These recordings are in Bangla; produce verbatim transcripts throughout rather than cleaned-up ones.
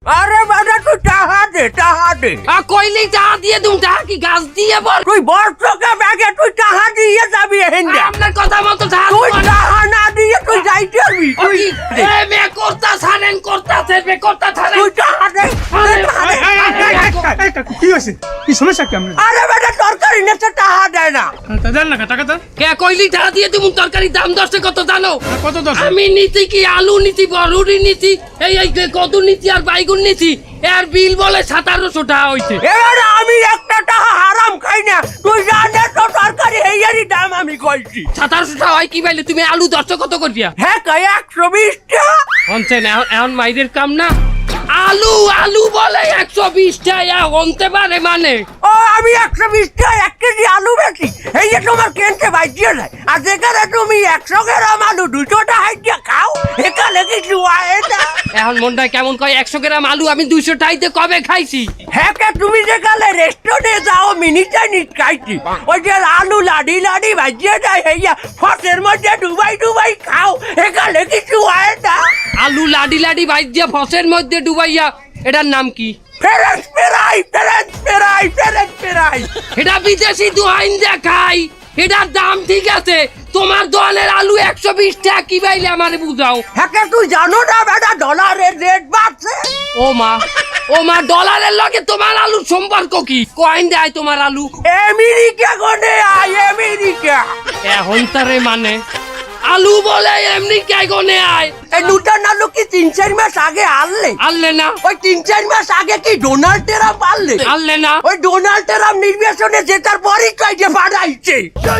আরে বাবা তুই টাহা দে টাহা দে আ কইলি টাকা দিয়ে তুমি টাকা কি গাছ দিয়ে বল তুই বর্ষকে ব্যাগে তুই টাহা দিয়ে যাবি হেন্দা আপনার কথা মতো টাকা তুই টাহা না দিয়ে তুই যাইতে পারবি তুই এ মে করতা ছাড়েন করতা ছেড়ে করতা ছাড়েন তুই টাহা দে কি হয়েছে কি সমস্যা কি আমরা আরে বেটা তরকারি নেছে টাহা দেয় না দেন না টাকা দেন কে কইলি টাকা দিয়ে তুমি তরকারি দাম দশে কত জানো কত দশ আমি নীতি কি আলু নীতি বড়ুরি নীতি এই এই কদু নীতি আর বাইগুন নীতি এর বিল বলে সতেরোশো টাকা হইছে এবারে আমি একটা টাকা হারাম খাই না তুই জানে তো তরকারি হেয়ারি দাম আমি কইছি সতেরোশো টাকা হয় কি পাইলে তুমি আলু দশটা কত করিয়া হ্যাঁ কই একশো বিশ টাকা হনছেন এখন মাইদের কাম না আলু আলু বলে একশো বিশ টাকা হনতে পারে মানে ও আমি একশো বিশ টাকা এক কেজি আলু বেশি এই যে তোমার কেনতে বাইজিয়ে যায় আর যেখানে তুমি একশো গ্রাম আলু দুশো টাকা দিয়ে খাও এখানে কিছু আয় না এখন মনটা কেমন কয় একশো গ্রাম আলু আমি দুইশো টাইতে কবে খাইছি হ্যাঁ কে তুমি যেখানে রেস্টুরেন্টে যাও মিনি চাইনিজ খাইছি ওই যে আলু লাডি লাডি ভাজিয়ে যায় হেয়া ফসের মধ্যে ডুবাই ডুবাই খাও এখানে কিছু আয় না আলু লাডি লাডি বাইর দিয়ে ফসের মধ্যে ডুবাইয়া এটার নাম কি ফেরেন্স ফেরাই ফেরেন্স ফেরাই ফেরেন্স ফেরাই এটা বিদেশি দোহাইন দেখাই এটার দাম ঠিক আছে তোমার দোকানের আলু একশো বিশ টাকা কি বাইলে আমারে বুঝাও হ্যাঁ কে তুই জানো না বেটা ডলারের রেট বাড়ছে ও মা ও মা ডলারের লগে তোমার আলুর সম্পর্ক কি কয়েন দেয় তোমার আলু আমেরিকা কোনে আয় আমেরিকা এখন তারে মানে আলু বলে এমনি কে গনে আয় এই নূতন আলু কি তিন চার মাস আগে আনলে আনলে না ওই তিন চার মাস আগে কি ডোনাল্ড ট্রাম্প আনলে আনলে না ওই ডোনাল্ড ট্রাম্প নির্বাচনে জেতার পরই কয়েছে বাড়াইছে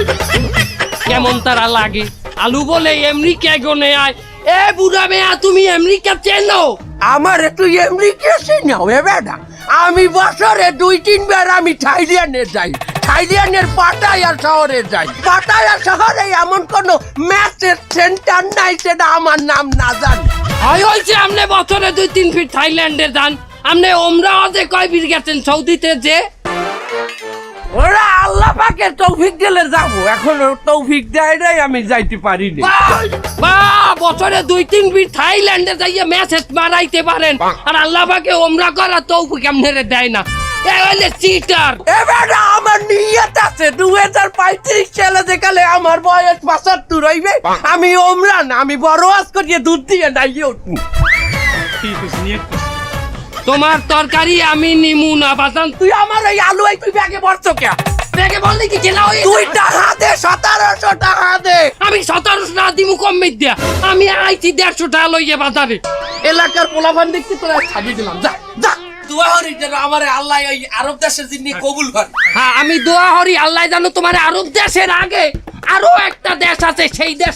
কেমন তারা লাগে আলু বলে এমনি কে গনে আয় এ বুড়া মেয়া তুমি আমেরিকা চেনো আমার একটু আমেরিকা চিনাও এ বেটা আমি বছরে দুই তিনবার আমি থাইল্যান্ডে যাই থাইল্যান্ডের পাটায়া শহরে যাই পাটায়া শহরে এমন কোন ম্যাচের সেন্টার নাই সেটা আমার নাম না জানি হয় হয়েছে আপনি বছরে দুই তিন ফিট থাইল্যান্ডে যান আপনি ওমরাওয়াজে কয় ফিট গেছেন সৌদিতে যে ওরা আল্লাহ পাকের তৌফিক দিলে যাবো এখন তৌফিক দেয় নাই আমি যাইতে পারি না বাহ বছরে দুই তিন ফিট থাইল্যান্ডে যাইয়া ম্যাচেস মারাইতে পারেন আর আল্লাহ পাকে ওমরা করা তৌফিক আপনারে দেয় না এ হইলে চিটার এবার আমার নিয়ত আছে দুই হাজার পঁয়ত্রিশ সালে যেকালে আমার বয়স পঁচাত্তর হইবে আমি ওমরান আমি বড় আজ করিয়ে দুধ দিয়ে নাইয়ে উঠবো ঠিক আছে নিয়ে তোমার তরকারি আমি নিমু না বাজান তুই আমার ওই আলু এই তুই ব্যাগে পড়ছো কে দেখে বললি কি জেলা হয়ে তুই টাকা দে সতেরোশো টাকা দে আমি সতেরোশো টাকা দিমু কম দে আমি আইছি দেড়শো টাকা লইয়ে বাজারে এলাকার পোলাপান দেখতে তোরা ছাড়িয়ে দিলাম যা যা দোয়া হরি যেন আমার আল্লাহ ওই আরব দেশের জিনিস কবুল করে হ্যাঁ আমি দোয়া হরি আল্লাহ জানো তোমার আরব দেশের আগে আরো একটা দেশ আছে সেই দেশ